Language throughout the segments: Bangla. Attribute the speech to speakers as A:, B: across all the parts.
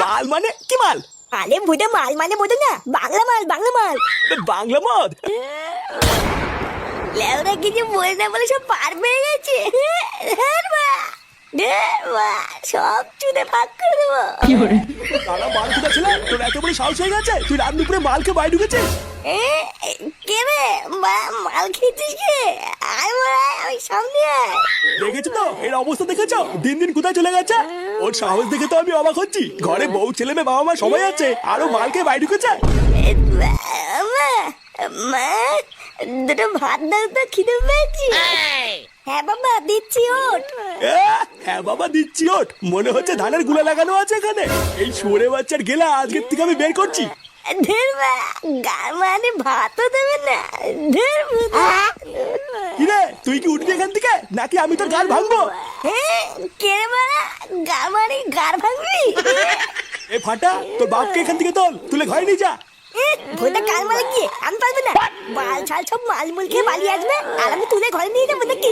A: মাল মানে কি মাল?
B: আরে ভুদা মাল মানে বোঝো না, বাংলা মাল বাংলা মাল।
A: বাংলা মদ?
B: লেওরা কিছু বলে না বলে সব পার পেয়ে গেছে। সব চুদে ফাঁক করে দেবো।
A: তারা মাল কোথা ছিল? তোর এত বড় সাহস হয়ে গেছে তুই রাত দুপুরে মালকে বাইরে ঢুকেছিস?
B: কে রে মাল খেয়েছিস কে? আয় আমি সামনে আয়।
A: দেখেছো তো এর অবস্থা, দেখেছো দিন দিন কোথায় চলে গেছে? ওর সাহস দেখে তো আমি অবাক হচ্ছি। ঘরে বউ ছেলে মেয়ে বাবা মা সবাই আছে, আরো মালকে বাইরে ঢুকেছে।
B: মা দুটো ভাত দাও তো, খিদে পেয়েছি। হ্যাঁ বাবা দিচ্ছি, ওঠ।
A: হ্যাঁ বাবা দিচ্ছি, ওঠ। মনে হচ্ছে ধানের গুলা লাগানো আছে এখানে। এই শুয়োরে বাচ্চার গেলা আজকের থেকে আমি বের করছি।
B: ধের গার মানে ভাতও দেবে না।
A: কিরে তুই কি উঠবি এখান থেকে নাকি আমি তোর গাল ভাঙবো?
B: কে রে মা গার মানে গার ভাঙবি?
A: এ ফাটা, তোর বাপকে এখান থেকে তোল, তুলে ঘরে নিয়ে যা।
B: ভোটা কাল মালে গিয়ে আমি পারবো না। মাল ছাল সব মাল মুল খেয়ে পালিয়ে আসবে আর আমি তুলে ঘরে নিয়ে যাবো নাকি?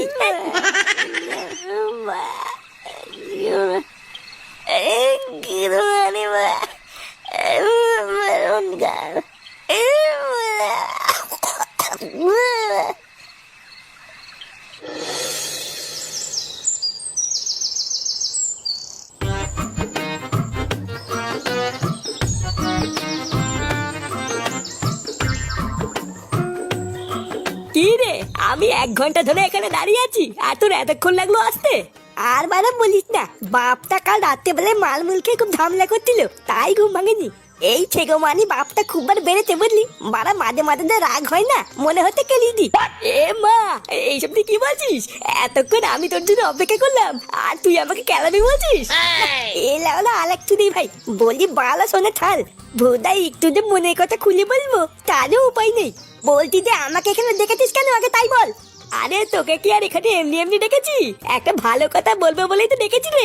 B: কি রে, আমি 1 ঘন্টা ধরে এখানে দাঁড়িয়ে আছি আর তোর এতক্ষণ লাগলো আসতে? আর বারা বলিস না, বাপটা কাল রাত্রেবেলায় মাল মুল খেয়ে খুব ঝামেলা করছিল, তাই ঘুম ভাঙেনি। এই ছেগো মানি বাপটা খুব বার বেড়েছে বুঝলি, বারা মাঝে মাঝে যে রাগ হয় না, মনে হতে কেলিয়ে দি। এ মা এইসব তুই কি বলছিস? এতক্ষণ আমি তোর জন্য অপেক্ষা করলাম আর তুই আমাকে কেলাবি বলছিস? এ লাউলা আলেক চুদি ভাই, বলি বালা শোনে থাল। ভোদাই একটু যে মনের কথা খুলে বলবো তারও উপায় নেই। বলতি যে আমাকে এখানে দেখেছিস কেন আগে তাই বল। আরে তোকে কি আর এখানে এমনি এমনি ডেকেছি? একটা ভালো কথা বলবো বলেই তো ডেকেছি রে।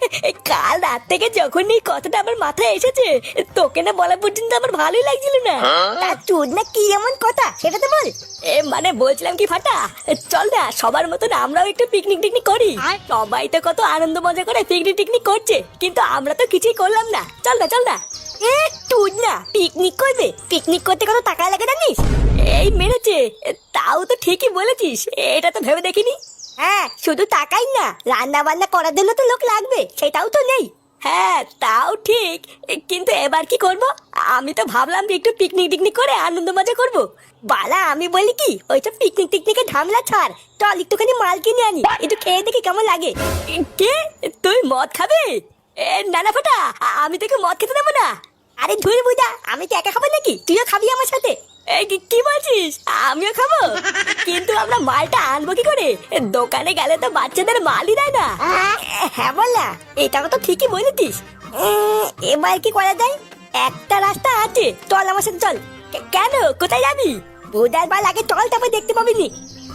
B: কাল রাত থেকে যখন এই কথাটা আমার মাথায় এসেছে, তোকে না বলা পর্যন্ত আমার ভালোই লাগছিল না। তার চোদ না কি এমন কথা সেটা তো বল। মানে বলছিলাম কি ফাটা, চল না সবার মতন আমরাও একটু পিকনিক টিকনিক করি। সবাই তো কত আনন্দ মজা করে পিকনিক টিকনিক করছে, কিন্তু আমরা তো কিছুই করলাম না। চল না চল না। তুই না পিকনিক করবে? পিকনিক করতে কত টাকা লাগে জানিস? এই মেরেছে, তাও তো ঠিকই বলেছিস, এটা তো ভেবে দেখিনি। হ্যাঁ শুধু টাকাই না, রান্না বান্না করার জন্য তো লোক লাগবে, সেটাও তো নেই। হ্যাঁ তাও ঠিক, কিন্তু এবার কি করব? আমি তো ভাবলাম যে একটু পিকনিক টিকনিক করে আনন্দ মজা করব। বালা আমি বলি কি, ওইসব পিকনিক টিকনিকে ঝামেলা ছাড়, চল একটুখানি মাল কিনে আনি, একটু খেয়ে দেখি কেমন লাগে। কে তুই মদ খাবে? না না ফাটা, আমি তোকে মদ খেতে দেবো না। আরে ধুর বুঝা, আমি কি একা খাবো নাকি? তুইও খাবি আমার সাথে? কি বলছিস? আমিও খাবো? কিন্তু আমরা মালটা আনবো কি করে? দোকানে গেলে তো বাচ্চাদের মালই দেয় না। হ্যাঁ বললা, এটা তো ঠিকই বলেছিস। এবার কি করা যায়? একটা রাস্তা আছে, চল আমার সাথে চল। কেন, কোথায় যাবি? বুধার বাল আগে চল, তারপর দেখতে পাবি নি।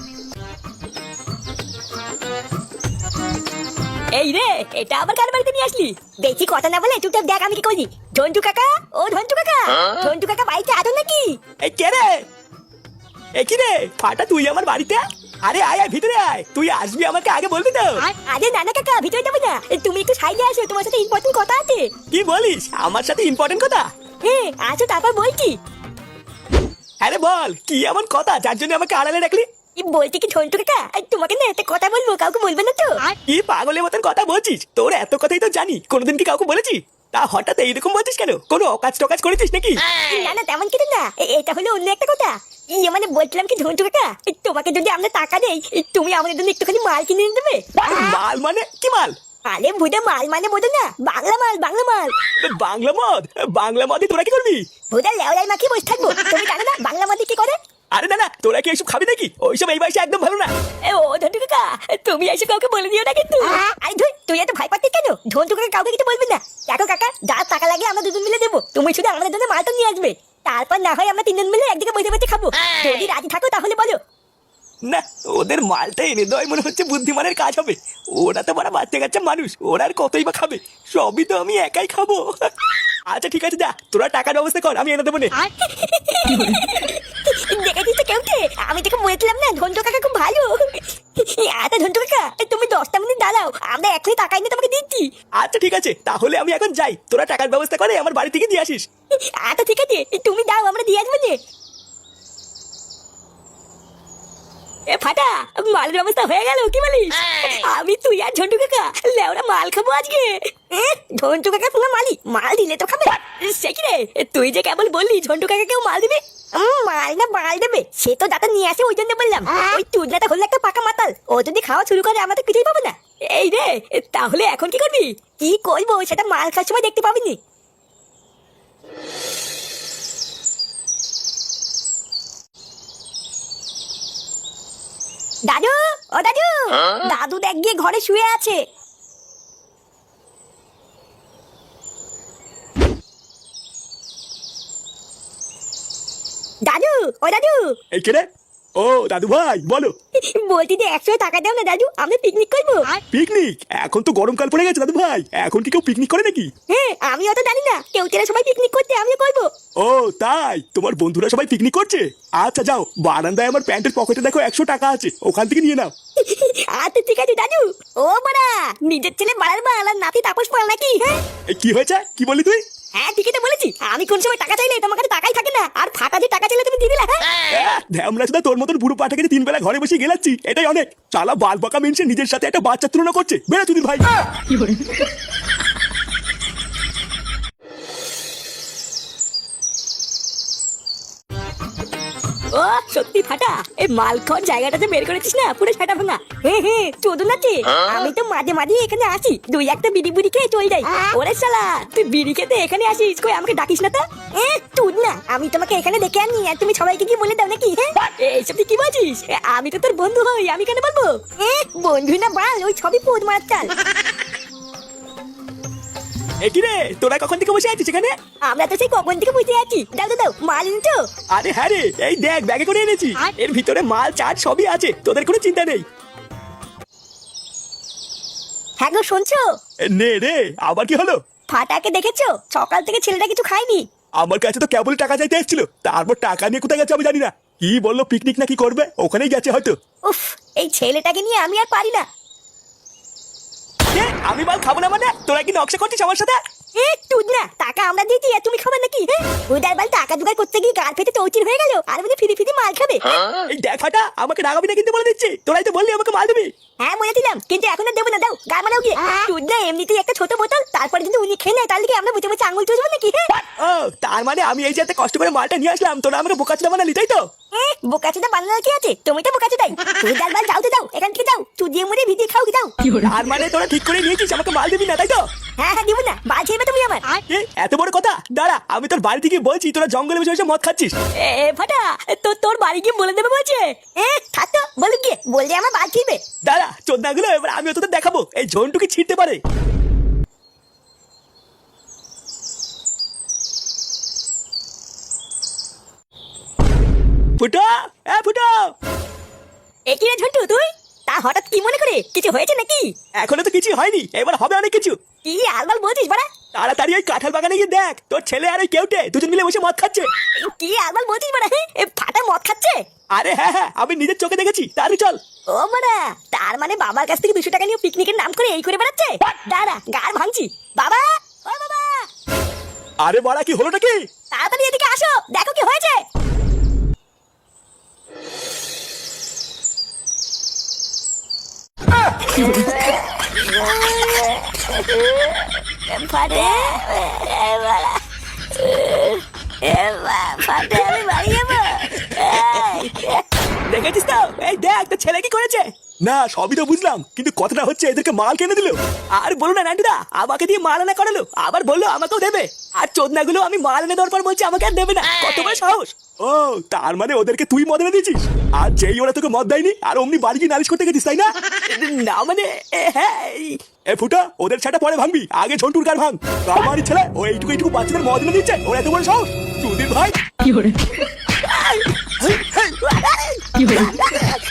B: এই রে, এটা আবার কার বাড়িতে নিয়ে আসলি? বেশি কথা না বলে চুপচাপ দেখ আমি কি করি। ঝন্টু কাকা, ও ঝন্টু কাকা, ঝন্টু কাকা বাড়িতে আছো নাকি?
A: এই কে রে? এ কি রে ফাটা, তুই আমার বাড়িতে? আরে আয় আয় ভিতরে আয়, তুই আসবি আমাকে আগে বলবি তো।
B: আরে না না কাকা, ভিতরে যাবে না, তুমি একটু সাইডে আসো, তোমার সাথে ইম্পর্টেন্ট কথা আছে।
A: কি বলিস? আমার সাথে ইম্পর্টেন্ট কথা?
B: হ্যাঁ আসো, তারপর বলছি।
A: আরে বল কি এমন কথা যার জন্য আমাকে আড়ালে রাখলি?
B: বলছি কি ঝন্টু কাকা, তোমাকে না একটা কথা বলবো, কাউকে বলবে না তো?
A: কি পাগলের মতন কথা বলছিস? তোর এত কথাই তো জানি, কোনোদিন কি কাউকে বলেছি? তা হঠাৎ এইরকম বলছিস কেন? কোনো অকাজ টকাজ করেছিস নাকি?
B: না না তেমন কিছু না, এটা হলো অন্য একটা কথা। মানে বলছিলাম কি ঝন্টু কাকা, তোমাকে যদি আমরা টাকা দেই, তুমি আমাদের জন্য একটুখানি মাল কিনে এনে দেবে।
A: মাল মানে কি মাল?
B: আরে ভুদা মাল মানে বোঝো না, বাংলা মাল বাংলা মাল।
A: বাংলা মদ? বাংলা মদে তোরা কি করবি?
B: ভুদা লেওলাই মাখিয়ে বসে থাকবো, তুমি জানো না বাংলা মদে কি করে?
A: আরে না না, তোরা কি এইসব খাবি নাকি? ওইসব এই বয়সে একদম ভালো না।
B: ও ঝন্টু কাকা, তুমি এসে কাউকে বলে দিও না কিন্তু। আরে ধুই, তুই এত ভয় পাচ্ছিস কেন? ঝন্টু কাকা কাউকে কিছু বলবি না। দেখো কাকা, যা টাকা লাগে আমরা দুজন মিলে দেবো, তুমি শুধু আমাদের জন্য মালটা নিয়ে আসবে। তারপর না হয় আমরা 3 জন মিলে একদিকে বসে বসে খাবো। যদি রাজি থাকো তাহলে বলো।
A: না, ওদের মালটা এনে দেওয়াই মনে হচ্ছে বুদ্ধিমানের কাজ হবে। ওরা তো বড় বাচ্চা কাচ্চা মানুষ, ওরা আর কতই বা খাবে? সবই তো আমি একাই খাবো। আচ্ছা ঠিক আছে, যা তোরা টাকার ব্যবস্থা কর, আমি এনে দেবো নে।
B: দেখেছিস তো কেমন? আমি তোকে বলেছিলাম না ঝন্টু কাকা খুব ভালো। আচ্ছা ঝন্টু কাকা, তুমি 10টা মিনিট দাঁড়াও, আমরা এখনই টাকা এনে তোমাকে দিচ্ছি।
A: আচ্ছা ঠিক আছে, তাহলে আমি এখন যাই, তোরা টাকার ব্যবস্থা করে আমার বাড়ি থেকে দিয়ে আসিস।
B: আচ্ছা ঠিক আছে, তুমি দাও, আমরা দিয়ে আসবো যে। এ ফাটা, মালের ব্যবস্থা হয়ে গেল, কি বলিস? আমি তুই আর ঝন্টু কাকা লেওরা মাল খাবো আজকে। ঝন্টু কাকা তোমার মাল দিলে তো খাবে। সে কি রে, তুই যে কেবল বললি ঝন্টু কাকা কেউ মাল দিবে? মাল না মাল দেবে সে তো দাদা নিয়ে আসে, ওই জন্য বললাম। ওই তুলনাটা হলো একটা পাকা মাতাল, ও যদি খাওয়া শুরু করে আমরা তো কিছুই পাবো না। এই রে, তাহলে এখন কি করবি? কি করবো সেটা মাল খাওয়ার সময় দেখতে পাবিনি। দাদু, ও দাদু, দাদু দেখ গিয়ে ঘরে শুয়ে আছে। দাদু, ও দাদু।
A: এই কে রে? ও দাদু ভাই বলো।
B: বলছি যে 100 টাকা দাও না দাদু, আমরা পিকনিক করবো।
A: পিকনিক? এখন তো গরমকাল পড়ে গেছে দাদু ভাই, এখন কি কেউ পিকনিক করে নাকি?
B: হ্যাঁ, আমি অত জানি না, কেউ তেরা সবাই পিকনিক করতে, আমিও করবো।
A: ও তাই, তোমার বন্ধুরা সবাই পিকনিক করছে? আচ্ছা যাও, বারান্দায় আমার প্যান্টের পকেটে দেখো 100 টাকা আছে, ওখান থেকে নিয়ে নাও।
B: আচ্ছা ঠিক আছে দাদু। ও বাড়া, নিজের ছেলে বাড়ার বাল আর নাতি তাপস পাল নাকি? হ্যাঁ
A: কি হয়েছে, কি বললি তুই?
B: হ্যাঁ ঠিকই তো বলেছি, আমি কোন সময় টাকা চাইলে তোমার কাছে টাকাই থাকে না, আর ফাটা যে টাকা চাইলে তুমি দিয়ে দিলা।
A: আমরা শুধু তোর মতন বুড়ো পাঠাকে 3 বেলা ঘরে বসে গেলাচ্ছি, এটাই অনেক। চালা বাল বাঁকা মেনছে নিজের সাথে একটা বাচ্চা তুলনা করছে, বেড়া তুই ভাই।
B: ও সত্যি ফাটা, এই মালখন জায়গাটাতে বের করেছিস না, পুরো ফাটা ভাঙা। হ্যাঁ চোদন আছে। আমি তো মাঝে মাঝে এখানে আসি, 2-1টা বিড়ি বুড়ি খেয়ে চলে যাই। ওরে শালা, তুই বিড়ি খেতে এখানে আসিস, কই আমাকে ডাকিস না তো? তুই না, আমি তোমাকে এখানে ডেকে আনি আর তুমি সবাইকে কি বলে দাও নাকি? হ্যাঁ এইসব তুই কি বলছিস? আমি তো তোর বন্ধু হই, আমি কেন বলবো? বন্ধু না বাল, ওই সবই পোদ মারার চাল।
A: কি রে, তোরা কখন থেকে বসে আছিস এখানে?
B: আমরা তো সেই কখন থেকে বুঝতে আছি। দাও দাও দাও, মাল এনেছো?
A: আরে হ্যাঁ রে, এই দেখ ব্যাগে করে এনেছি, এর ভিতরে মাল চাট সবই আছে, তোদের কোনো চিন্তা নেই।
B: হ্যাঁ গো শুনছো?
A: নে রে, আবার কি হলো?
B: ফাটাকে দেখেছো? সকাল থেকে ছেলেটা কিছু খায়নি।
A: আমার কাছে তো কেবল টাকা চাইতে এসেছিল, তারপর টাকা নিয়ে কোথায় গেছে আমি জানি না। কি বললো পিকনিক নাকি করবে, ওখানেই গেছে হয়তো।
B: উফ, এই ছেলেটাকে নিয়ে আমি আর পারি না।
A: আমি মাল খাবো না মানে? তোরা কি নকশা করছিস আমার সাথে?
B: তুই না, টাকা আমরা দিয়েছি আর তুমি খাবে নাকি? উদার বাল টাকা জোগাড় করতে গিয়ে গাল ফেটে চৌচির হয়ে গেল, আর মানে ফিরি ফিরি মাল খাবে।
A: এই দেখ ফাটা, আমাকে রাগাবি না কিন্তু বলে দিচ্ছি, তোরাই তো বললি আমাকে মাল দিবি।
B: হ্যাঁ বলেছিলাম, কিন্তু এখন আর দেবো না, দাও গাল মারাও গিয়ে। তুই না এমনিতেই একটা ছোট বোতল, তারপরে যদি উনি খেয়ে নেয় তাহলে কি আমরা বুঝে বুঝে আঙুল চুষবো নাকি?
A: ও তার মানে আমি এই যে এত কষ্ট করে মালটা নিয়ে আসলাম, তোরা আমাকে বোকাচোদা বানালি তাই তো?
B: বোকাচোদা বানানোর কি আছে? তুমি তো বোকাচোদাই। উদার বাল যাও তো যাও, এখান থেকে যাও, চুদিয়ে মুড়ে ভিডিয়ে খাও কি যাও।
A: তার মানে তোরা ঠিক করে নিয়েছিস আমাকে মাল দিবি না তাই তো?
B: হ্যাঁ হ্যাঁ দিব না, বাল ছেড়বে তুমি আমার।
A: এত বড় কথা? দাঁড়া, আমি তোর বাড়ি থেকে বলছি তোরা জঙ্গলে বসে বসে মদ খাচ্ছিস।
B: ফাটা, তোর বাড়ি গিয়ে বলে দেবে বলছে। থাকতো বলে গিয়ে, বললে আমার বাল ছিড়বে।
A: দাঁড়া চোদনাগুলো, এবার আমি তোদের দেখাবো এই ঝন্টু কি ছিঁড়তে পারে। ফুটো, ফুটো।
B: কি রে ঝন্টু তুই? তা হঠাৎ কি মনে করে, কিছু হয়েছে নাকি?
A: এখনো তো কিছু হয়নি, এবার হবে অনেক কিছু।
B: কি আলবাল বলছিস বাড়া?
A: তাড়াতাড়ি ওই কাঁঠাল বাগানে গিয়ে দেখ, তোর ছেলে আর ওই কেউটে দুজন মিলে বসে মদ খাচ্ছে।
B: কি আলবাল বলছিস বাড়া? ফাটা মদ খাচ্ছে?
A: আরে হ্যাঁ হ্যাঁ, আমি নিজের চোখে দেখেছি, তাড়াতাড়ি চল।
B: ও বাড়া, তার মানে বাবার কাছ থেকে 200 টাকা নিয়ে পিকনিকের নাম করে এই করে বেড়াচ্ছে? দাঁড়া, গাড় ভাঙছি। বাবা, ও বাবা।
A: আরে বাড়া, কি হলোটা কি?
B: তাড়াতাড়ি এদিকে আসো, দেখো কি হয়েছে। ফাটে, ফাটে, আমি বাড়ি যাবো।
A: দেখেছিস তো, এই দেখ তোর ছেলে কি করেছে। না সবই তো বুঝলাম, কিন্তু কথাটা হচ্ছে এদেরকে মাল কিনে দিল। আর বলো না নান্টুদা, আমাকে দিয়ে মাল আনা করালো, আবার বললো আমাকেও দেবে। আর চোদনাগুলো আমি মাল এনে দেওয়ার পর বলছে আমাকে আর দেবে না, কত বড় সাহস। ও তার মানে ওদেরকে তুই মদ এনে দিয়েছিস, আর যেই ওরা তোকে মদ দেয়নি আর অমনি বাড়ি গিয়ে নালিশ করতে গেছিস তাই না? না মানে হ্যাঁ। ফুটা, ওদের ছাটা পরে ভাঙবি, আগে ঝন্টুর গার ভাঙ। আমার ছেলে ও এইটুকু এইটুকু বাচ্চাদের মদ এনে দিচ্ছে, ওর এত বড় সাহস। চুদির ভাই কি